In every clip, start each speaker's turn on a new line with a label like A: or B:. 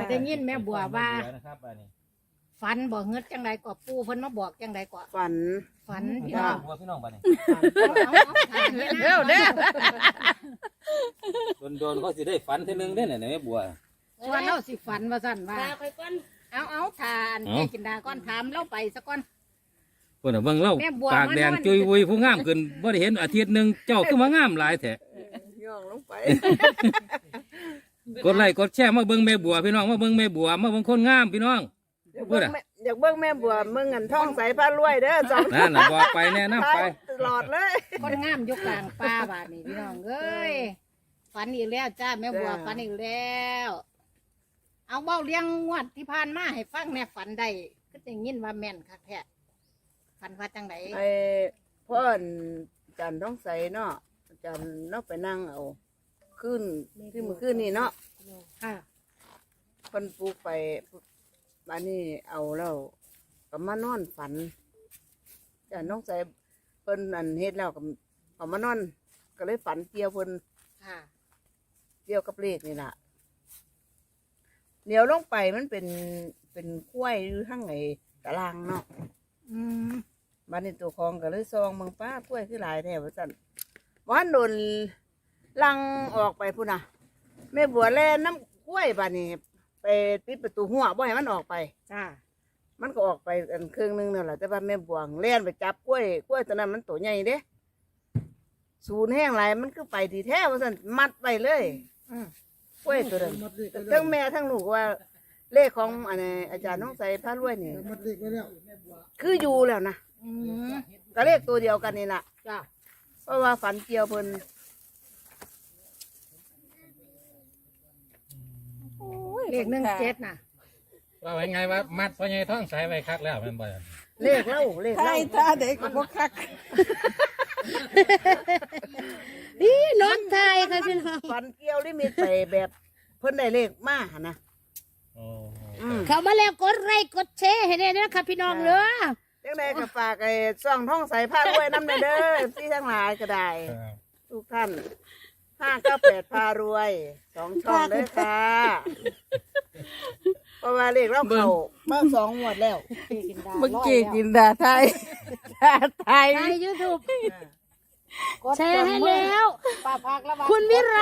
A: ได้ยินแม่บัวว่าฝันบอกเงิดจังใดก็ปูเพิ่นมาบอกจังใดก็
B: ฝัน
A: พี่น้อง
C: บัวพี่น้องบ้านนี่
A: เร็วเด้อ
C: โดนเขาสิได้ฝันทีนึงได้เนี่ยแม่บัว
A: ชวนเราสิฝันว่าสั่นว่าเอาทานแม่กินดาก้อนถามเล่าไปสักก้อน
C: เพิ่นเบิ่งเล่าปากแดงจุยวุยผู้งามขึ้นบ่ได้เห็นอาทิตย์นึงเจ้าคือมางามหลายแท้
B: ย่องลงไป
C: กดไลค์กดแชร์มาเบิ่งแม่บัวพี่น้องมาเบิ่งแม่บัวมาเบิ่งคนงามพี่น้อง
B: อยากเบิ่งแม่บัวมึงเงินท่องใสผ้ารวยเด้อสอง
C: นั่นน่ะบอกไปแน่นำไป
B: ตลอดเลย
A: คนงามยกกลางป่าบาดนี่พี่น้องเอ้ยฝันอีกแล้วจ้าแม่บัวฝันอีกแล้วเอาเบ้าเลี้ยงงวดที่ผ่านมาให้ฟังแน่ฝันได้ก็จะยินว่าแม่นคักแท้ฝันว่าจังได
B: ไอ้พ่อจันท่องใสเนาะจันเนาะไปนั่งเอาขึ้นที่มือขึ้นนี่เนาะ
A: ค่ะ
B: คนปลูกไปอันนี้เอาแล้วก็มานอนฝันจันท่องใสเพิ่นอันเฮ็ดแล้วก็เอามานอนก็เลยฝันเกี่ยวเพิ่น
A: ค่ะ
B: เกี่ยวกับเลขนี่ล่ะเดี๋ยวลงไปมันเป็นกล้วยหรือทั้งไงตารางเนาะ
A: อืม
B: บ้านในตัวคลองก็เลยซองเมืองป้ากล้วยคือหลายแถวสั่นวันโดนลังออกไปพุ่นน่ะแม่บัวแล่น้ำกล้วยบ้านนี้ไปปิดประตูหัวบ่ให้มันออกไป
A: จ้า
B: มันก็ออกไปอันครึ่งนึงนั่นแหละแต่ว่าแม่บัวแล่นไปจับกล้วยตัวนั้นมันตัวใหญ่เด้สูนแห้งไรมันก็ไปทีแท้ว่าสั่นมัดไปเลย
A: อืม
B: กล้วยตัวนั้นทั้งแม่ทั้งลูกว่าเลขของอันนี้อาจารย์น้องใส่ผ้ารวยนี่คืออยู่แล้วนะ
A: อืม
B: ก็เลขตัวเดียวกันนี่แหละ
A: จ้า
B: เพราะว่าฝันเกี่ยวเพิ่น
A: เลข17น่ะ
C: ว่าไว้ไงว่ามัดพ่อใหญ่ท้องใสไว้คักแล้วแม่นบ่
B: เลขเล่า
D: ใช่ตาเด็กก็บ่คัก
A: นี่น้องชายค่ะพี่น้อง
B: ฝันเกี่ยวลิมิตไปแบบเพิ่นได้เลขมาหั่นนะ
C: โอ้
A: เขามาแล้วกดไลค์กดแชร์ให้ได้นะคะพี่น้องเด้อ
B: จังไดก็ฝากไอ้ซ่องท่องใสผ้ารวยน้ำเด้อพี่ทั้งหลายก็ได้ทุกท่าน598พารวย2ช่องเด้อค่ะเพราะว่าเลขเราเข้ามา2งวดแล้ว
D: เมื่อกี้กินดาไทยดาไทย
A: ในยูทูบแชร์ให้แล้วคุณวิไร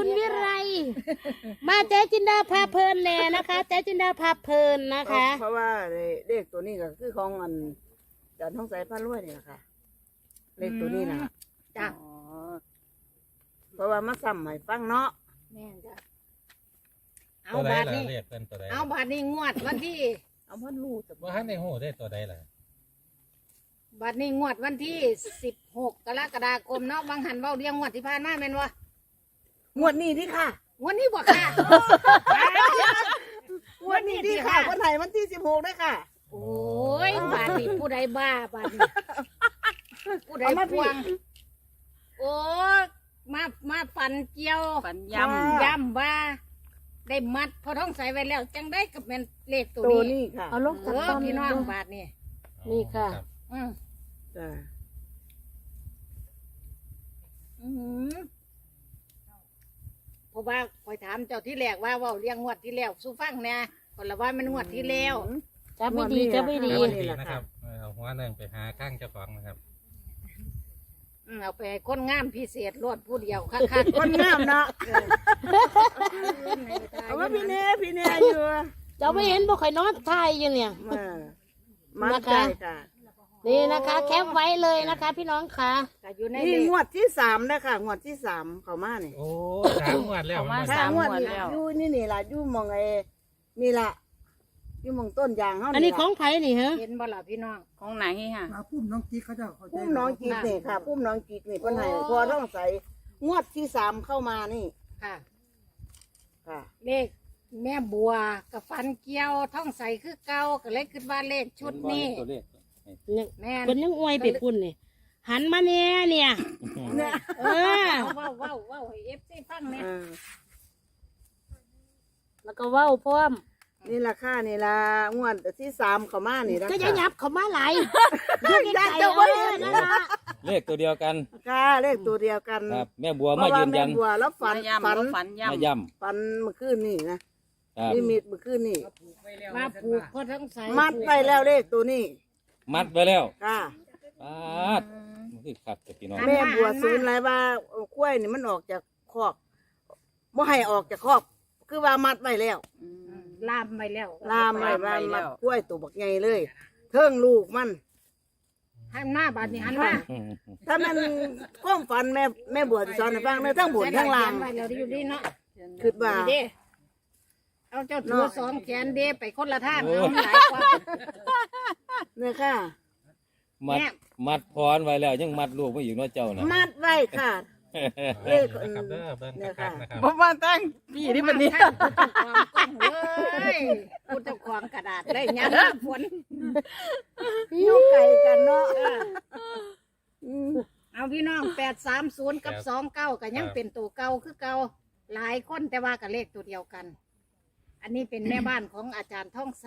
A: มาเจ๊จินดาพาเพลินแน่นะคะเจ๊จินดาพาเพลินนะคะ
B: เพราะว่าเลขตัวนี้ก็คือของอันจันท่องใสผ้ารวยนี่แหละค่ะเลขตัวนี้นะ
A: จ้ะ
B: เพราะว่ามาซ้ำให้ฟังเนาะ
A: แม่จ้ะเอา
C: ตัวใด
A: บาท
C: ล่ะ
A: นี้
C: เรียกเป็นตัวใด
A: เอาบาทนี้งวดวันที่
B: เอาพันลูก
C: บ่ทันได้ฮู้ได้ตัวใดล่ะ
A: บาทนี้งวดวันที่16 กรกฎาคมเนาะบางหันเว้าเรียงงวดที่ผ่านมาแม่นวะ
B: งวดนี้ที่ค่ะ
A: งวดนี้บ่ค่ะ
B: งวดนี้ที่ค่ะคนไหนวันที่16ได้ค่ะ
A: โอ้ยบาทนี้ผู้ใดบ้าบาทนี้ผู้ใด
B: เอามาพี่
A: พวงโอ้มาฟันเกี่ยว
D: ฝัน
A: ย้ำว่า ได้มัดพอท้องใสไว้แล้ว จังได้กับแม่นเลขตัว
B: ตัว
A: นี้
B: นี้ค่ะ
D: เอาลง
A: เอ
D: จาก
A: อ
D: ต้น
A: พี่น้องบาทนี่
D: นี่ค่ะ
C: รับ
A: อืม
B: จ้า
A: อืมเพราะว่าคอยถามเจ้าที่แรกว่าเว่าเลี้ยงงวดที่แล้วสู้ฟังเนี่ยคนละว่ามันงวดที่แล้ว
D: จะไม่ดีจะไม่ดี
C: ครับดีนะครับเอาหัวหนึงไปหาข้างเจ้าของนะครับ
A: เอาไปให้คนงามพิเศษรวดผู้เดียวคัก
B: คนงามเนาะ
A: ๆ
B: เอาว่าพี่เน่อยู่
D: จะไม่เห็นบ่ค่อยนอนทายอยู่เนี่ย
B: มาใจค่ะ
D: นี่นะคะ แคปไว้เลยนะคะ พี่น้องค่ะ
A: ก็อยู่ใน
B: นี่
A: เลข
B: งวดที่3นะคะงวดที่3เขามานี่
C: โอ้3งวดแล้ว
D: เอามา
C: มันบ่
D: สาม
B: งวด
D: งวด
B: นี่
D: แล้ว
B: อยู่นี่ล่ะอยู่หมองไอ้นี่ล่ะอยู่หมองต้นยางเฮา
D: อันนี้ของไผ่นี่ฮะ
A: เห็นบ่ล่ะพี่น้อง
D: ของไหนค่ะ
E: พุ่มน้องกิ๊กเขาจะเขาใจ
B: พุ่มน้องกีกนี่ค่ะพุ่มน้องกีกนี่เพิ่นให้พอต้องใส่งวดที่3เข้ามานี่
A: ค่ะ
B: ค่ะ
A: เลขแม่บัวกับฟันเกี้ยวท้องใสคือเก่าก็เลยคิดว่าเลขชุดนี้
C: ตัวเลข
A: แม่น
D: เป็นยังอวยไปพุ่นนี่หันมาเนี่ยเนี่ย
B: เนี่ย
D: เออ
A: ว้าวให้เอฟซีฟังเนี่ย
D: แล้วก็เว้าพร้อม
B: นี่ล่ะค่ะนี่ล่ะงวดที่3เข้ามานี่นะ
D: ก็จะยับเขามาไหลาย
B: ยัดเจ้าไว้
D: นั่นล่ะ
C: เลขตัวเดียวกัน
B: ค่ะเลขตัวเดียวกัน
C: ครับแม่บัว
B: เพ
C: มา
B: ราะว่า
C: ยืน
B: แม่
C: ยัน
B: บัวแล้วฝัน
C: มาย่
B: ฝันเมื่อคืนนี่นะ
C: ำคครับ
B: นิมิตเมื่อคืนนี่
A: มาปลูกพอทั้งใส
B: มัดไว้แล้วเลขตัวนี้
C: มัดไว้แล้ว
B: ค่ะ
C: ปาดมันคือคักแต่พี่น้อง
B: แม่บัวศูนย์ไรว่าข้วยนี่มันออกจากคอกบ่ให้ออกจากคอกคือว่ามัดไว้แล้ว
A: ลามไปแล้ว
B: ลามไว้ว่ามัดข้วยตัวบักใหญ่เลยเทิงลูกมัน
A: ให้หน้าบาดนี้หันมา
B: ถ้ามันความฝันแม่บัวที่สอนให้ฟังในทั้งบนทั้งล่าง
A: ไว้แล้วอยู่ดีเนาะ
B: คือว่า
A: นี่เด้เอาเจ้าตัวสองแขนเด้ไปคนละทางเอาหลายกว่า
B: เนี่ยค่ะ
C: มัด
A: แม่
C: มัดพรไว้แล้วยังมัดลูกไว้อยู่เนาะเจ้านะ
B: มัดไว้ค่ะเลขเนี่ยค่ะ
D: บ่มาตั้งพี่ที่บัดนี้
A: ท่านผู้เจ้าของกล้องเลยผู้เจ้าของกระดาษได้ยังฝน
B: อยู่ไกลกันเนาะ
A: เอาพี่น้อง830กับ29ก็ยังเป็นตัวเก่าคือเก่าหลายคนแต่ว่ากับเลขตัวเดียวกัน อันนี้เป็นแม่บ้านของอาจารย์ท่องใส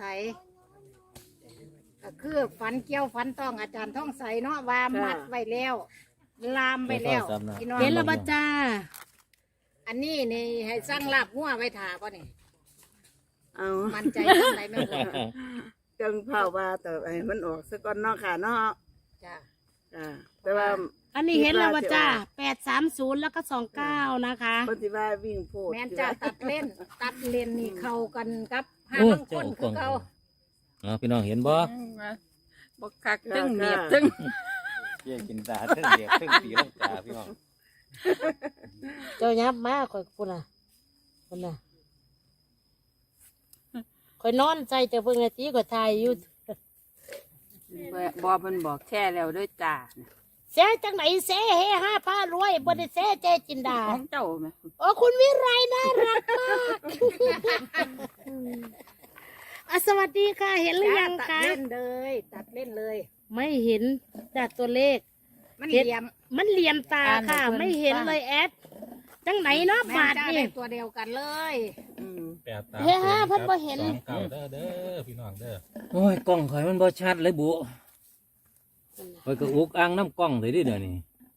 A: ก็คือฝันเกี่ยวฝันต้องอาจารย์ท่องใสเนาะว่ามัดไว้แล้ว ลามไปแล้วพี่น้อง
C: เห็นแล้วบ่จ้า
A: อันนี้นี่ให้สร้างลาบหัวไว้ถาป่ะนี่
B: เอา
A: มันใจทำไรไม่บอก
B: จังเผาว่าแต่ไอ้มันออกซะก่อนเนาะค่ะเนาะ
A: จ้ะ
B: แต่ว่า
D: อันนี้เห็นแล้วว่าจ้า830แล้วก็29นะคะ
B: ปฏิว่าวิ่งโพด
A: แม่นจะตัดเล่นนี่เข้ากันกับห้า
C: โอ้
A: บางคนคือเก่า
C: เอาพี่น้องเห็นบ่
D: บ่คักตึ้งเมียบตึ้ง
C: เยี่ยกินตาเทั้งเดียบเทั้งตีลังกาพี่น้อง
E: เจ้ายับมาข่อยพุ่นน่ะพุ่นน่ะข่อยนอนใจแต่เพิ่งนาทีข่อยถ่ายอยู่
D: บ่เพิ่นบอกแช่แล้วด้วยจ้า
E: เสียจังไหนเสเฮห้าผ้ารวยบ่ได้เสเจจินดา
D: ของเจ้าแม่
E: โอ้คุณวิไรน่ารักมากอ่ะสวัสดีค่ะ เห็นหรือยัง
A: ตัด
E: คะ
A: เล่นเลยตัดเล่นเลย
E: ไม่เห็นจากตัวเลข
A: มันเหลี่ยม
E: มันเหลี่ยมตาค่ะ ไม่เห็นเลยแอดจังไหนเนาะ
A: แม่
E: บาท
A: จ้า
E: นี่
A: ได้ตัวเดียวกันเลย
E: เฮ้ยฮะเพิ่นบ่เห็น
F: เก่าเด้อเด้อพี่น้องเด้อ
C: โอ้ยกล้องข่อยมันบ่ชัดเลยบุข่อยก็อุกอ่างน้ำกล้องเลยดิเดี๋ยวนี้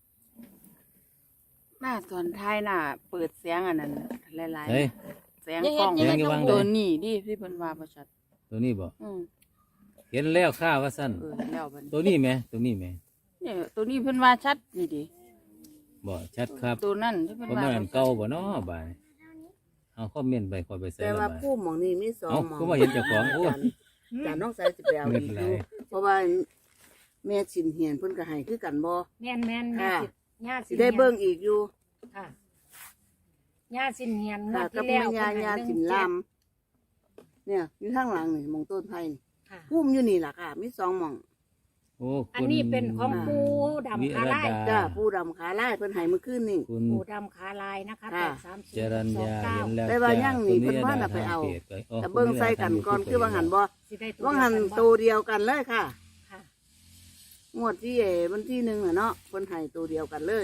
D: หน้าสอนท้ายหน้าเปิดเสียงอันนั้นหลาย
C: เฮ้ย
D: ๆเสียงกล้อง
C: เสียงอยู่วางเลย
D: ตัวนี้ดิที่เพิ่นว่าบ่ชัด
C: ตัวนี้บ่
D: อืม
C: เห็นแล้วข้าว่าสั้น
D: แล้วบัดนี้
C: ตัวนี้ไหมตัวนี้ไหม
D: เนี่ยตัวนี้เพิ่นว่าชัดนี่ดิ
C: บ่ชัดครับ
D: ตัวนั้นที่เพิ่น
C: เพราะ
D: ว่า
C: มันอันเก่าบ่เนาะบ่ายเอาคอมเมนต์ไปคอยไปใส่
B: แต่
C: ละ
B: ว่า
C: บ่าย
B: ผู้หมองนี่มีสอง
C: เอ้า
B: หมอง
C: ก็ว่าเห็นเจ้าของโอ้ย
B: จานน้องใส่สิไปเอาอีกอยู่เพราะว่าแม่สินเหียนเพิ่นก็ให้คือกันบ่
A: แม่นแม่นแม่
B: ค่ะ
A: ญาติ
B: สิได้เบิ่งอีกอยู่
A: ค่ะญาติสินเหียนงว
B: ค่ะ
A: ด
B: กับ
A: ที่
B: แม่
A: แล้ว
B: ยาสินลามเนี่ยอยู่ข้างหลังนี่หมองต้นไผ่นี่
A: ค่ะ
B: พุ่มอยู่นี่ล่ะค่ะ มีสองหมอง
C: โอ้
A: อันนี้เป็นของปูดำขาลาย
B: จ้าผู้ดำขาลายเพิ่นให้เมื่อคืนนี่
C: คุณ
A: ปูดำขาลายนะคะ
B: ค่ะ
A: 830
C: จรัญญาเห็นแล้ว
B: ได้ว่ายังนี่
C: จ้
B: เพิ่นว่าน่ะไปเอา
C: คุณนิรดทงพจอ๋อ
B: แต่เบิ่งใส่กันก่อนคือว่าหันบ่
A: สิได้ตัว
B: ว่าหัน
A: เดียวกั
B: ตัวเดียวกันเลยค่ะ
A: ค่ะ
B: งวดที่วันที่1น่ะเนาะเพิ่นให้ตัวเดียวกันเลย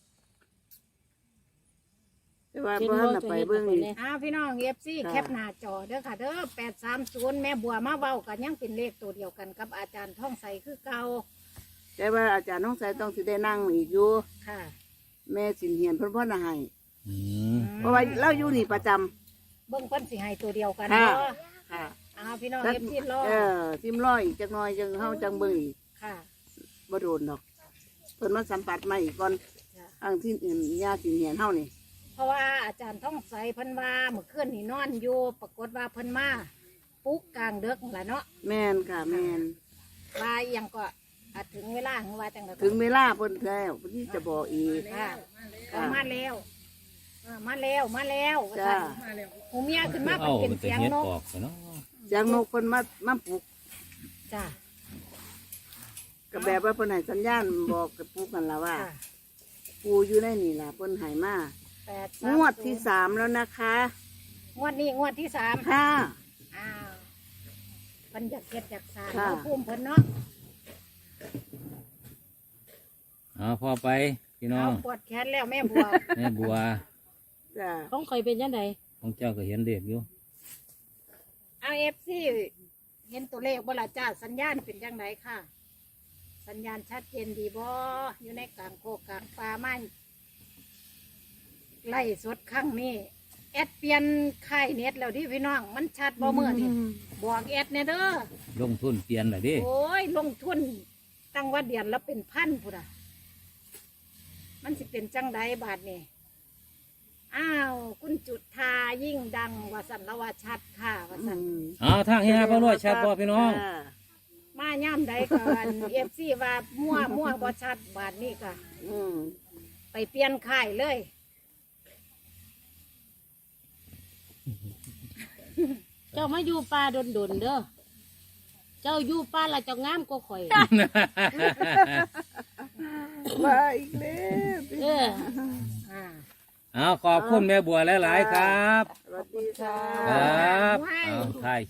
B: แต่ว่าเพิ่นน่ะไปเบิ่งนี่
A: พี่น้องเอฟซี
B: ค่ะ
A: แคปหน้าจอเด้อค่ะเด้อ830แม่บัวมาเว้ากันยังเป็นเลขตัวเดียวกันกับอาจารย์ท่องใสคือเก่า
B: แต่ว่าอาจารย์น้องสายต้องสิได้นั่งอีกอยู่
A: ค่ะ
B: แม่สินเหียนเพิ่นพ่อน่ะให้
C: อืม
B: เพราะว่าเราอยู่นี่ประจำ
A: เบิ่งเพิ่นสิให้ตัวเดียวกัน
B: ค่ะ
A: เนาะ
B: ค่ะ
A: พี่น้องเอฟซีรอ
B: ทิมร้อยอีกจักหน่อยจังเฮาจังเบิ่งอีก
A: ค่ะ
B: บ่โดนดอกเพิ่นมาสัมผัสมาอีกก่อน
A: จ้ะ
B: ทางที่อื่นญาติสินเหียนเฮานี่
A: เพราะว่าอาจารย์ท่องใสเพิ่นว่าเมื่อคืนนี่นอนอยู่ปรากฏว่าเพิ่นมาปลุกกลางดึกนั่นล่ะเนาะ
B: แม่นค่ะแม่น
A: ว่าอิหยังก็อาจถึงเวลาของว่าจังได๋
B: ถึงเวลาเพิ่นแล้วเพิ่นที่จะบอกอีก
A: ค่ะ
B: ค่ะ
A: มาแล้วมาแล้วว่า
B: จ้า
A: ซั่นหูเมียขึ้นมา
C: เอา
A: เป็น
C: มันจะ
A: เสียง
C: เฮ็ด
A: นก
C: ออกไปเนาะ
B: เสียงนกเพิ่นมาปลุก
A: จ้า
B: ก็แบบว่าเพิ่นให้สัญญาณบอกกับปลุกกันล่ะว่า
A: ค่ะ
B: ปูอยู่ในนี่ล่ะเพิ่นให้มา
A: 830
B: งวดที่3แล้วนะคะ
A: งวดนี้งวดที่3
B: ค่ะ
A: อ้าวเพิ่นอยากเฮ็ดอยากสร้าง
B: ค่ะ
A: เอาภูมิเพิ่นเนาะ
C: เอาพอไปพี่น้อ
A: เอา
C: ง
A: ปวดแขนแล้วแม่บัว
C: แม่บัว
B: จ้า
E: ของข่อยเป็นยังไง
C: ของเจ้าก็เห็นเด็กอยู่
A: เอา FC เห็นตัวเลขบ่ล่ะจ้าสัญญาณเป็นจังไดค่ะ สัญญาณชัดเจนดีบ่อยู่ในกลางโคกกลางป่าไม้ไล่สดครั้งนี้แอดเปลี่ยนค่ายเน็ตแล้วที่พี่น้องมันชัดบ่เมื่อนี่บอกแอดเนี่ยเด้อ
C: ลงทุนเปลี่ยนล่ะดิ
A: โอ้ยลงทุนตั้งว่าเดือนแล้วเป็นพันพุ่นอ่ะมันสิเป็นจังไดบาทนี่อ้าวคุณจุดทายิ่งดังว่าสันละว่าชัดค่ะว่าสัน
C: เอาทางเฮียพ่อรวยชัดบ่พี่น้อง
A: มาย่ำใดกันเอฟซีว่ามั่วบ่ชัดบาทนี้ก็
B: อืม
A: ไปเปลี่ยนค่ายเลย
E: เจ้ามาอยู่ป่าดนๆเด้อเจ้าอยู่ป่าละเจ้างามกว่าข่อย
B: มาอีกแล้ว
E: เออ
A: อ่า
C: เอาขอบคุณแม่บัวหลายๆครับ
B: สวัสดีค่ะ
C: ครับ
A: ว้าย
C: เอาถ่าย